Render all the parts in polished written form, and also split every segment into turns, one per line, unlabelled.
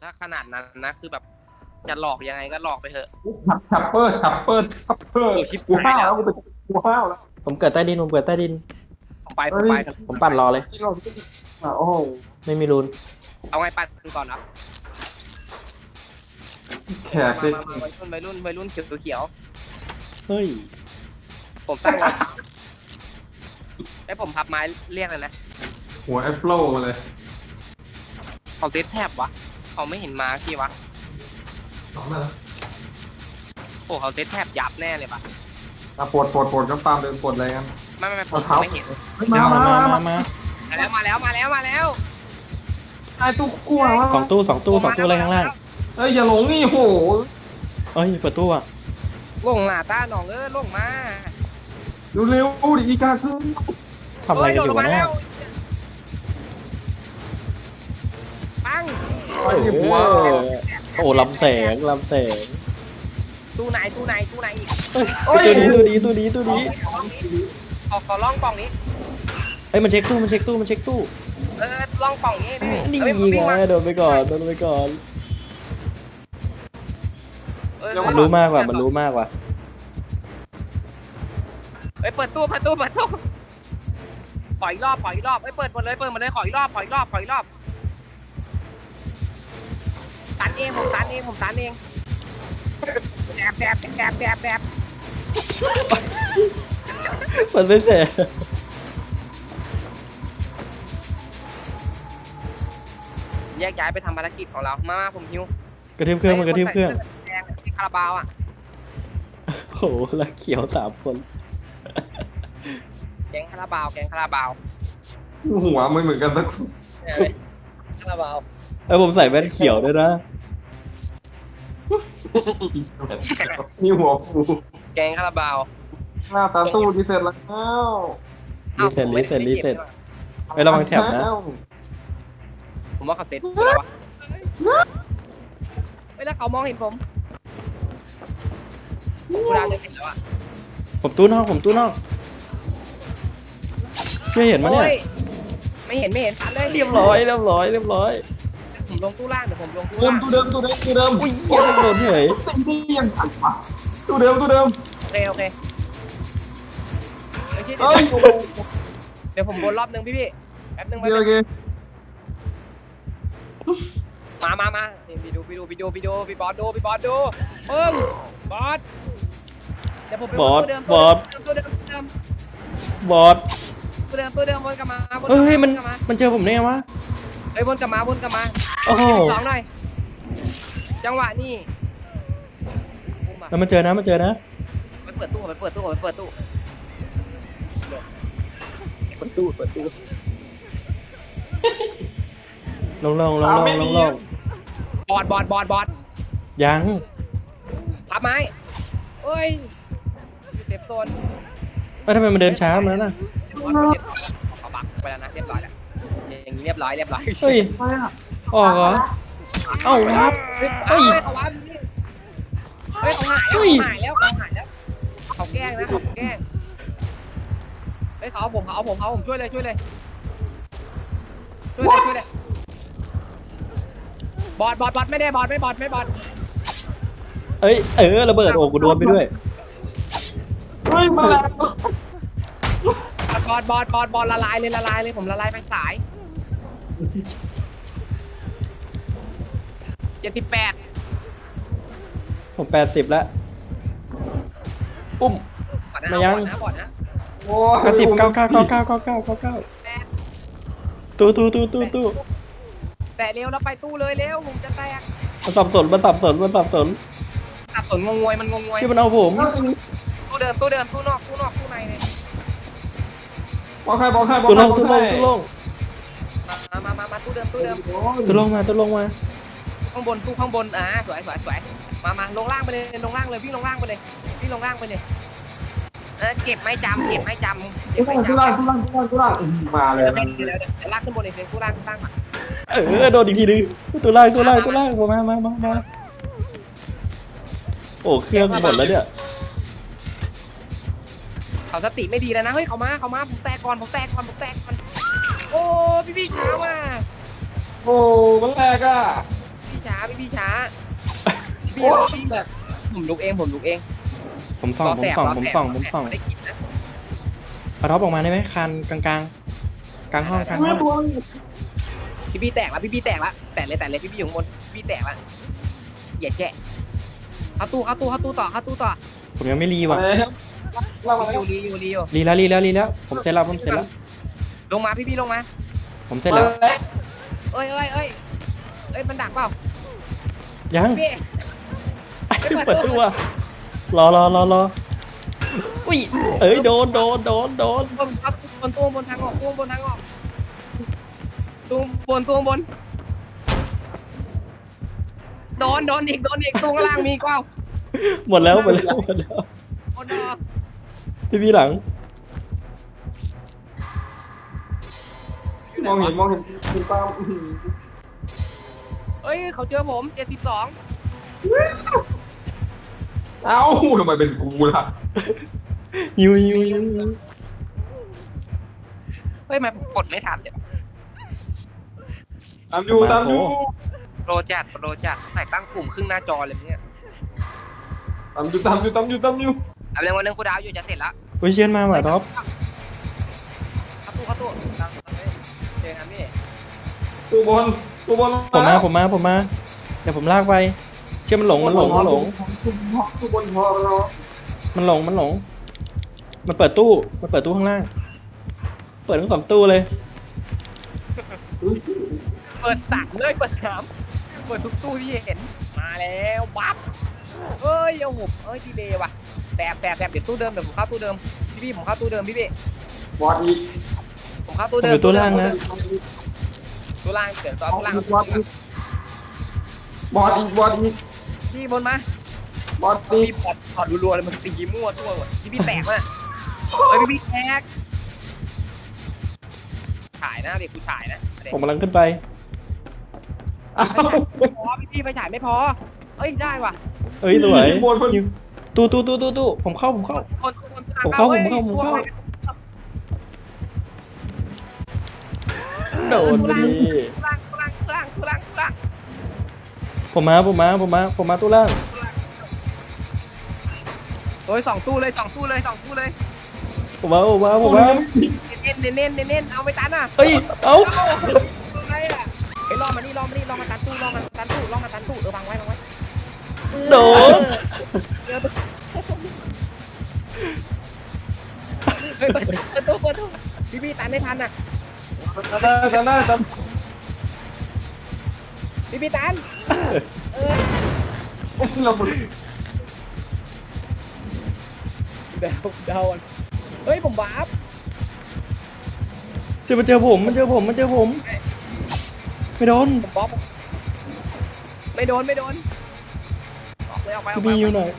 ถ้าขนาดนั้นนะคือแบบจะหลอกยังไงก็หลอกไปเถอะ
ชัปเปอร์กูห้าวแล้วกูห้าวแล้ว
ผมเกิดใต้ดินผมเกิดใต้ดิน
ไป
ผมปั่นรอเลย
โอ้โห
ไม่มีรูน
เอาไงปั่นก่อนนะ
แขกเลย
วัยรุ่นเขียว
เฮ้ย
ผมตั้งไว้ให้ผมพับไม้เรียกเลยนะ
หัวแอปโฟลมาเลย
เขาเซตแทบวะเขาไม่เห็นมาที่วะโอ้เขาเซตแทบยับแน่เลยปะ
ปวดก็ฟาร์มเดินปวดอะไรกัน
ไม่ผมไม่เห็น
มา
แล้ว
ไอ้ตู้กลัววะ
สองตู้อะไรข้างล่าง
เอ้ยอย่าหลงนี่โห
เอ้ยเปิดตู้อ่ะ
ลงหน้าตาหนองลงมา
เร็วดิอีกาคือ
ทำอะไรกันอยู่เนี่ย
ปัง
โอ้ลำแสง
ตู้ไหนอีก
ตู้นี้
ขอล่องกล่องนี้
เอ้ยมันเช็คตู้
ล่องกล่องนี้
นี่ยิงไงโดนไปก่อนมันรู้มากกว่า
เปิดตู้ขออีกรอบเปิดหมดเลยขออีกรอบตันเองผมตันเองแดบ
มันไม่แสง
แยกย้ายไปทำภารกิจของเรามาผมหิว
กระเทียมเครื่องแดง
ที่คาราบาวอ่ะ
โอ้แล้วเขียว3 คน
แกงคาราบาว
หัวมันเหมือนกันสัก
คาราบาว
ผมใส่แว่นเขียวด้วยนะ
นี่หัวฟู
แกงคาราบาว
หน้าตาตู้ดีเสร็จแล้ว
รีเซ็ตไประวังแถบนะ
ผมว่าเขาเซ็ตแล้ววะแล้วเขามองเห็นผมกูดาวจะเห็นแล้วอ่ะ
ผมตู้นอกไม่เห็นมั้ยเนี่ย
ไม่เห็นตันเลย
เรียบร้อย
ผมลงตู้ล่างเดี๋ยวผมลงตู้
เดิ
ล่าม ง
ตู้เดิม
อุ้ยโดนเฉย
สิ่งที่ยังทันวะตู้เดิม
โอเคเดี๋ยวผมวนรอบนึงพี่แป๊บนึง
โอเค
มาไปดูพี่บอสดูปึ้งบอสเดี๋ยวผมไปตู้เดิมวนกลับมา
เฮ้ยมันเจอผมได้ไงวะ
วนกลับมา
โอ้โห
สองหน่อยจังหวะนี้
แล้วมันเจอนะ
ไปเปิดตู้
ลง
บอส
ยัง
พับไม้เอ้ยเซฟโซน
ทำไมมันเดินช้ามาแล้วน่ะ
เขาบักไปแล้วนะเรียบร้อยแล้วอย่างนี้เรียบร้อย
เฮ้ยออกเหรอเอ้าครับ
เฮ้ยเขาหายแล้วเขาแกล้งนะเฮ้ยเขาเอาผมช่วยเลยบอสไม่บอส
เอ้ยระเบิดโอ้กูโดนไปด้วย
เฮ้ยมาแล้ว
บอสละลายเลยผมละลายไปสาย78
ผม80แล้วปุ้มมายัง
บอสนะ
โอ้
กระสิบ99ตู้
แต่เร็วแล้วไปตู้เลยเร็วผมจะแตก
มันสับสน
สับสนงงวย
ที่มันเอาผม
ตู้เดิมตู้นอกตู้ในเลย
บอกให้
ตู้ลง
มาตู้เดิม
ตู้ลงมา
ข้างบนตู้ข้างบนสวยมาลงล่างไปเลยวิ่งลงล่างไปเลยเก็บไม่จำ
ตู้ล่างมาเลย
เดี๋ยวลากขึ้นบนอีกตู้ล่างมา
โดนอีกทีนึงตู้ล่างมาโอ้เครื่องหมดแล้วเนี่ย
เขาสติไม่ดีแล้วนะเฮ้ยเขามาผมแตกก่อนโอ้พี่ช้าว่ะ
โอ้มันแรกอ่ะ
พี่ช้าพี่ช้าพี่แบบผมลุกเอง
ผมส่อง
ได้กินนะ
เอาท็อปออกมาได้ไหมคันกลางห้องกลางห้อง
พี่แตกแล้วพี่แตกแล้วแตกเลยพี่อยู่ข้างบนพี่แตกแล้วอย่าแกะเข้าตู้ต่อ
ผมยังไม่รีว่ะ
เรามา
รีอยู่
รีแล้วผมเสร็จแล้ว
ลงมาพี่ลงมา
ผมเสร็จแล้ว
เอ้ยมันดักเปล่า
ยัง
พี่
เปิดตัวรออุ้ยเอ้ยโดน
บนทางออกตู้บนโดนอีกตู้ข้างล่างมีก็เอา
หมดแล้ว
บนดอ
พี่หลัง
มองเห็นคุณป้า
เอ้ยเขาเจอผม72
เอ้าทำไมเป็นกูล่ะ
ยิว
เฮ้ยมันกดไม่ทันเดี๋ยว
ตามอยู่
โปรจัดใส่ตั้งปุ่มครึ่งหน้าจอเลยเนี่ย
ตามอยู่
เอาเรื่องวันนึงกูดาวอยู่จะเสร็จแล้ว
อุ้ยเชียนมาว่ะท็อป
เข้าตู้เจอกันพี่
ตัวบน
ผมมาเดี๋ยวผมลากไปเชื่อมันหลง
ตัวบนพอเรา
มันหลงมันเปิดตู้ข้างล่างเปิดทั้ง2ตู้เลย
เปิด3เลยเปิดทุกตู้ที่เห็นมาแล้วปั๊บเอ้ยโอ้โหดีเลยว่ะแสบเดี๋ยวตู้เดิมเดี๋ยวผมเข้าตู้เดิมพี่ผมเข้าตู้เดิมพี่
บอดอีก
ผมเข้าตู้เดิม
ตู้ล่างนะ
ตู้ล่างเดี๋ยวตู้ล่าง
บอดอีก
พี่บนมา
บอดอี
พี่
ก
ถอดรัวๆเลยมันตีมั่วตัวหมดพี่แตกเลยเฮ้ยพี่แตกฉายนะเด็กกูฉายนะ
ผมกำลังขึ้นไป
พอพี่ไฟฉายไม่พอเอ้ยได้ว่ะ
เอ้ยสวยตู้ผมเข้า
คน
โดนดิ
ล่าง
ผมมาตู้ล่าง
เฮ้ย2 ตู้เลย
ผมมา
เน้นเอาไปตันอ่ะ
เอ้ยเอ้า
อะไรอ่ะไอ้ลองมาตันตู้บังไว้
โดน
เปิดตู้พี่ตันได้ทันอ่ะ
ได้
พี่ตัน
เราบุ
เดาเฮ้ยผมบาป
มันเจอผมไม่โดน
ผมบ๊อบไม่โดนออกไป
พี่อยู่หน่อย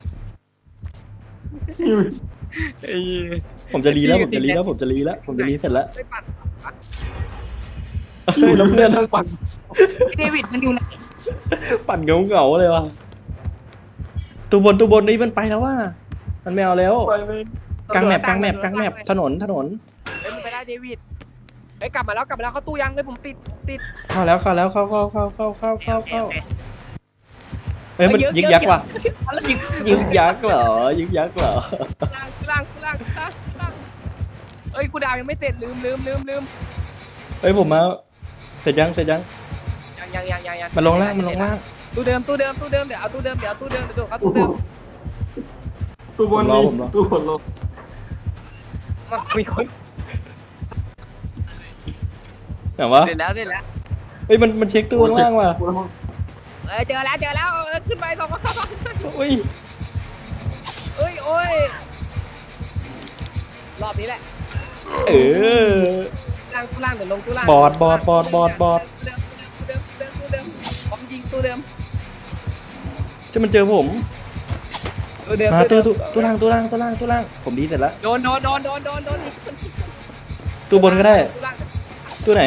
ผมจะรีแล้วผมจะรีเสร็จแล้ว
ไม่ปัด
เฮ้ยแล้วเพื่อนทั้งปั่น
เดวิดมันอยู่ไหน
ปั่นเงาเลยว่ะตัวบนนี่มันไปแล้วว่ะมันไม่เอาแล้วกลางแมปถนน
เฮ้ยมันไปได้เดวิดเฮ้ยกลับมาแล้วเข้าตู้ยังเลยผมติด
เข้าแล้วเข้าเฮ้ยมันยึกยักว่ะยึกยักเหรอ
ล่างเฮ้ยกูดาวยังไม่เสร็จลืม
เฮ้ยผมมาเสร็จยัง
ยัง
มันลงล่าง
ตู้เดิมเดี๋ยวเอาตู้เดิมเดี๋ยวเข้าตู้เดิม
ตัวบนนี่ตัวบนลง
มันมีคน
แต่ว่า
เสร็จแล้ว
เฮ้ยมันเช็คตู้ข้างล่างว่ะ
เจอแล้วขึ้นไป2 เข้า
อุ้ย
โอ้ยรอบนี้แหละ ตู้ล่างเดี๋ยวลงตู้ล่าง
บอด
ตู้เดิมพร้อมยิงตู้เดิม
จะมันเจอผม
ตู้เดิม
ตู้ล่างผมดีเสร็จแล้ว
โดนอีก
ตู้บนก็ได้
ตู้ล่าง
ตู้ไหน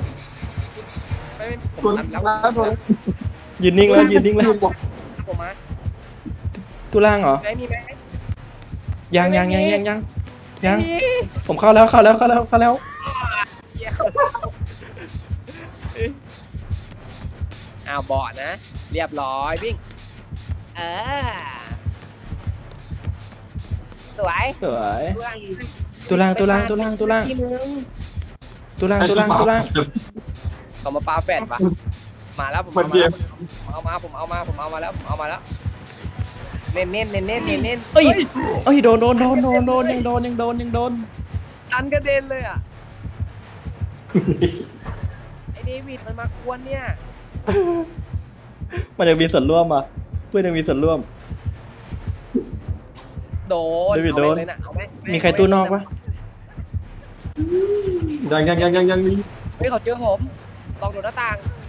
ผมนัดแล้ว
ยืนนิ่งแล้ว
ผมมา
ตู้ล่างเหรอ
มีไหม
ยังผมเข้าแล้ว
ออ้าวบอดนะ เรียบร้อยวิ่งสวย
สวย
ตุลัง
ตุลัง
ที่มึง
ตุลัง
เขามาปาแฟดปะมาแล้วผม
มันเดียว
ผมเอามาแล้วเน้น
เอ้ยโดนยังโดน
ตันกระเด็นเลยอ่ะไอเดวิดมันมากวนเนี่ย
มันยังมีส่วนร่วมอ่ะเพื่อนยังมีส่วนร่วม
โดน
เดวิดโดน
เอาเลยนะเอาไหม
มีใครตู้นอกปะ
ยังมี
เฮ้ยเขาเจอผมลองโดดหน้าต่าง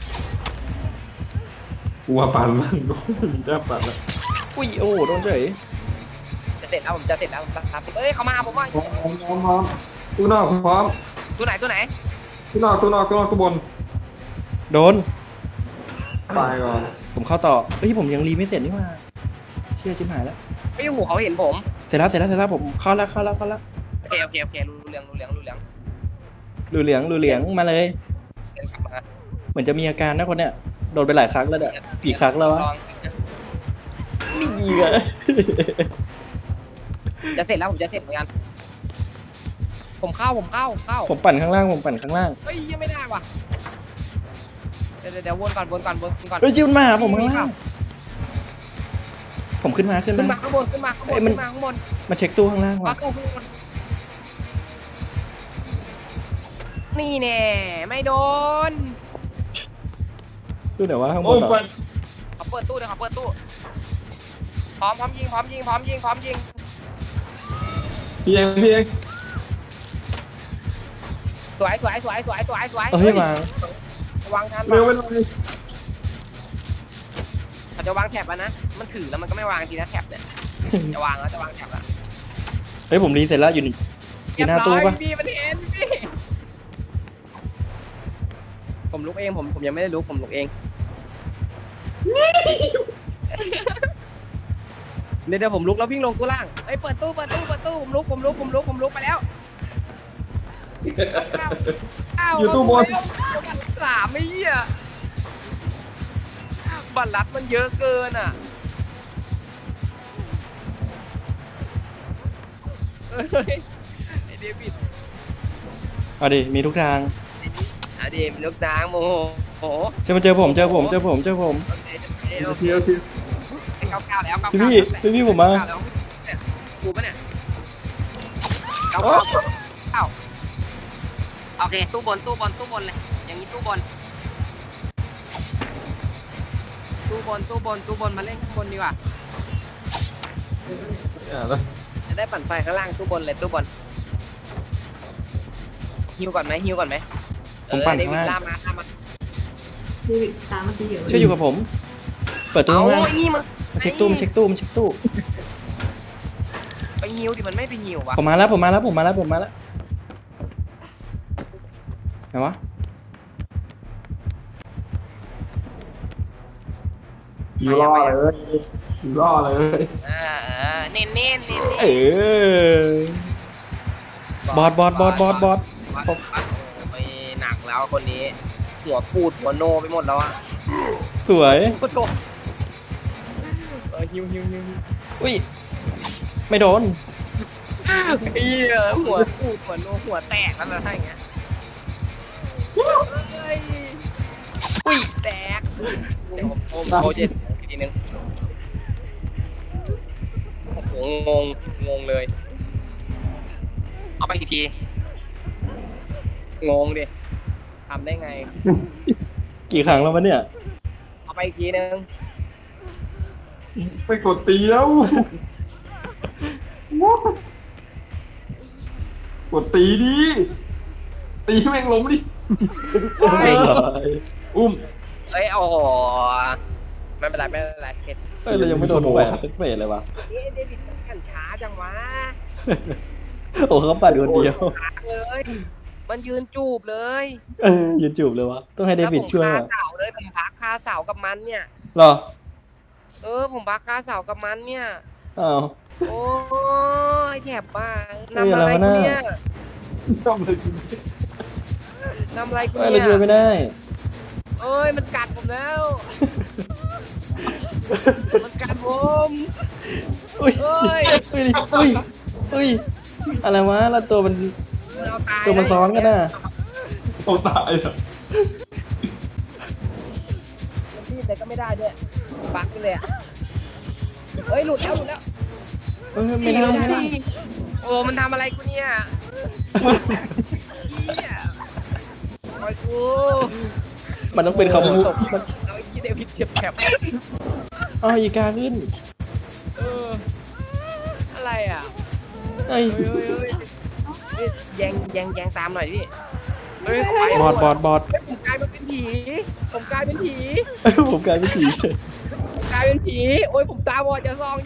กลัวปั่นมันมีแค่ปั่นแล้ว
อุ้ยโอ้โดนเฉย
จะเสร็จแล้วผมจะเสร็จแล้วผมจะทำเอ้ยเขามาผมว่า
พร้อมตู้นอกพร้อม
ตัวไหน
ตู้นอกตู้บน
โดน
ตายก่อน
ผมเข้าต่อเฮ้ยผมยังรีไม่เสร็จนี่หว่าเชื่อชิบหายแล้ว
ไม่หูเขาเห็นผม
เสร็จแล้วผมเข้าแล้ว
โอเครู้เรื่อง
รูเหลืองมาเลย
เดินกลับมา
เหมือนจะมีอาการนะคนเนี้ยโดนไปหลายครั้งแล้วเนี่ยกี่ครั้งแล้ววะ
ลอง
นี่ไง
จะเสร็จแล้วผมจะเสร็จเหมือนกันผมเข้า
ผมปั่นข้างล่าง
เฮ้ยยังไม่ได้ว่ะเดี๋ยววนก่อน
เฮ้ยจิ้มมาหาผมข้างล่างผมขึ้นมา
ขึ้นมาข้างบน
มาเช็คตู้ข้างล่างว่ะ
นี่แน่ไม่โดน
ตู้ไหนวะข้างบ
โอ้
นเหรอ
ปั่น
เขาเปิดตู้พร้อมยิง
พี่เอง
สวย
เฮ้ยวาง
วางทัน
เร็วไปเลย
เขาจะวางแถบแล้วนะมันถือแล้วมันก็ไม่วางทีนะแถบเนี่ยจะวางแถบแล้ว
เฮ้ยผมรีเสร็จแล้วอยู่หน้าตู้ปะ
พี่มันเห็นพี่ผมลุกเองผมยังไม่ได้ลุกผมลุกเองเดี๋ยวผมลุกแล้ววิ่งลงตู้ล่างเฮ้ยเปิดตู้ผมลุกไปแล้ว
อยู่ตู้บน
บัตรลัด3ไม่เหี้ยบัตรลัดมันเยอะเกินอ่ะไอเดวิด
เอาดิมีทุกทาง
เดวิดลูกนางโมโห
เจอผม
โอเค
โอเค
โอเค
99แล้ว
พี่ผมมา
แล้วเนี่ยกูปะเนี่ย99โอเคตู้บนเลยอย่างนี้ตู้บนมาเล่นข้างบนดีกว่า
แล้ว
จะได้ปั่นไฟข้างล่างตู้บนเลยตู้บนฮิวก่อนไหม
ผมปั่นข้างล่าง
ล่ามา
เดวิดตามเมื่อกี้อยู่
ช่วยอยู่กับผม เปิดตู้ข้างล่าง
เอานี่มา
มาเช็คตู้
ไปฮิวดิมันไม่ไปฮิววะ
ผมมาแล้วไหนวะ
อยู่รอเลย
เน้น
บอส
ไม่หนักแล้วคนนี้หัวปูดหัวโนไปหมดแล้วอ่ะ
สวย
โคตรฮิว
อุ้ยไม่โดน
หัวปูดหัวโนหัวแตกแล้วนะถ้าอย่างเงี้ยอุ้ยแตกเดี๋ยวผมโคเจ็ดทีนึงโอ้โหงงเลยเอาไปอีกทีงงดิทำได้ไง
กี่ครั้งแล้ววะเนี่ย
เอาไปอีกทีนึง
ไปกดตีแล้วกดตีดิตีแม่งล้มดิอุ้ม
เอ้ยโอ้โหไม่เป็นไรเห็ด
เฮ้ยเรายังไม่โดนแหวนสักเฟสเลยวะ
เดวิดมันช้าจังวะ
โอ้เขาปัดคนเดียว
เลยมันยืนจูบเลย
ยืนจูบเลยวะต้องให้เดวิดช่วย
ผม
อ่ะ
คาเสาเลยผมพักคาเสากับมันเนี่ย
หรอ
ผมพักคาเสากับมันเนี่ย
อ้าว
โอ้ยแถบบ้า
เฮ้ย
นำอะไร
อะไรวะ
กู
เนี่ย
เนี่ย
จอมเลย
นำอะไรกู
เฮ้ย
เนี่
เราช่วย
ย
ไม่ได้
เอ้ยมันกัดผมแล้ว มันกัดผม
อุ้ย
เอ้ย
อุ้ยอุ้ยอะไรวะแล้วตัวมัน
มันเอาตาย
ตัวมันซ้อนกันน่ะ
โอ้ตายอ่ะ
มันรีบแต่ก็ไม่ได้ด้วยบั๊กไปเลยอ่ะเฮ้ยหลุดแล้ว
เออไม่ได้ไม่ได้
โอ้มันทำอะไรกูเนี่ยเหี้ยปล่อยกู
มันต้องเป็นคำพูด
เอาไอ้ยี่เดวิดเฉียบแฉบ
อ๋ออีกาขึ้น
เอออะไรอ่ะ
เอ้ย
เฮ้ยแยงตามหน่อยพี่เฮ้ยไป
บอด
เฮ้ยผมกลายเป็นผีผมกลายเป็นผี
เอ้ยผมกลายเป็นผีเฉย
ผมกลายเป็นผีโอ้ยผมตาบอดอย่าซอง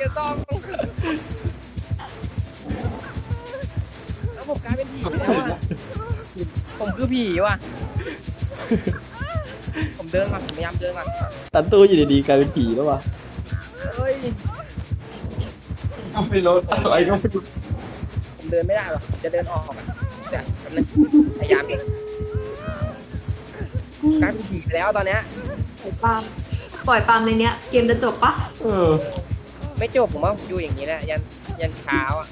แล้วผมกลายเป็นผีแล้วอ่ะผมคือผีว่ะผมเดินก่อนผมพยายามเดินก่อน
ตันตู้อยู่ดีๆกลายเป็นผีแล้ววะ
เฮ้ย
ก็ไม่รู้อะไรก็ไม่รู้
ผมเดินไม่ได้หรอกจะเดินออกอ่ะเดี๋ยวแป๊บนึงพยายามเองกลายเป็นผีไปแล้วตอนเนี้ย
ปล่อยปาล์มในเนี้ย เกมจะจบปะ
เออ
ไม่จบผมว่าผมอยู่อย่างนี้แหละยันเช้าอ่ะ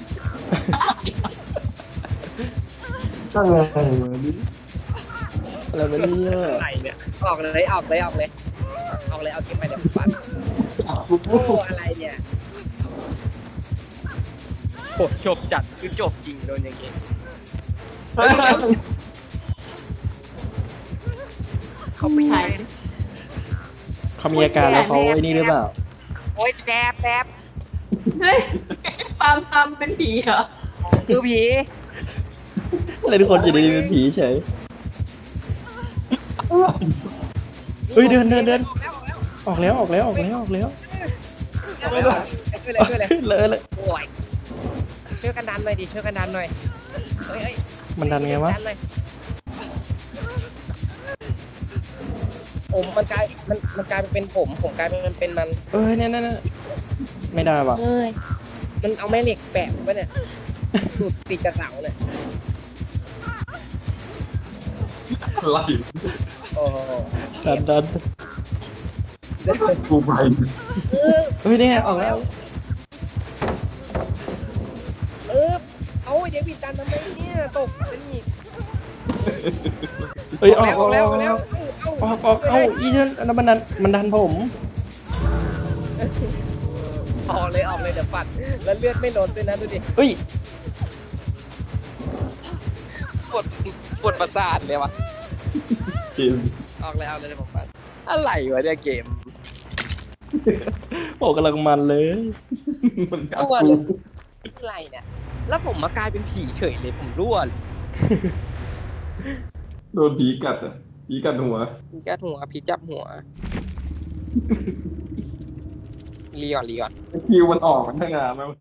ก็ไงวะนี่
อะไรวะเนี่ย
อะไรเนี่ยออกเลยเอาเก็บไปเดี๋ยวผมปัด
กู
โอ้อะไรเนี่ยโหจบจัดคือจบจริงโดนอย่างงี้เขาไปไหน
เขามีอาการแล้วเขาไอ้นี่หรือเปล่า
โอ๊ยแสบ
เฮ้ยปาล์มเป็นผีเหรอ
คือผี
อะไรทุกคนอยู่ดีๆเป็นผีเฉย เฮ้ยเดิน ออกแล้วออกแล้ว
ช่วยเลย
เลย
โอ้ยช่วยกันดันหน่อยดิช่วยกันดันหน่อยเฮ้ย
มันดันไงวะ
ดันหน่อยผมมันกลายเป็นผมกลายเป็นมัน
เอ้ยเนี่ยไม่ได้ว่ะ
เฮ้ยมันเอาแม่เหล็กแปะผมไว้เนี่ยสูดติดกระเสาเนี่ย
อะไร
โอ้โห
ดัน
กูไป
เฮ้ยเนี่ยออกแล้ว
เอาเดี๋ยวบิดดันทำไมเนี่ยตกเป็นอีก
เฮ้ยออก
แล้ว
เอ้าอีนั่นอันนั้นมันดันผม
ออกเลยเดี๋ยวปัดแล้วเลือดไม่ลดด้วยนะดูดิ
เฮ้ย
ปวดประสาทเลยวะ
เกม
ออกเลยเดี๋ยวผมปัดอะไรวะเนี่ยเกม
โอ้กำลังมันเลย
มันกัด
รั่ว
กู
เลยอะไรเนี่ยแล้วผมมากลายเป็นผีเฉยเลยผมรั่วเลย
โดนผีกัดอ่ะผีกัดหัว
ผีกัดหัวผีจับหัวรีก่อน
คิวมันออกมันทั้งงานแล้ว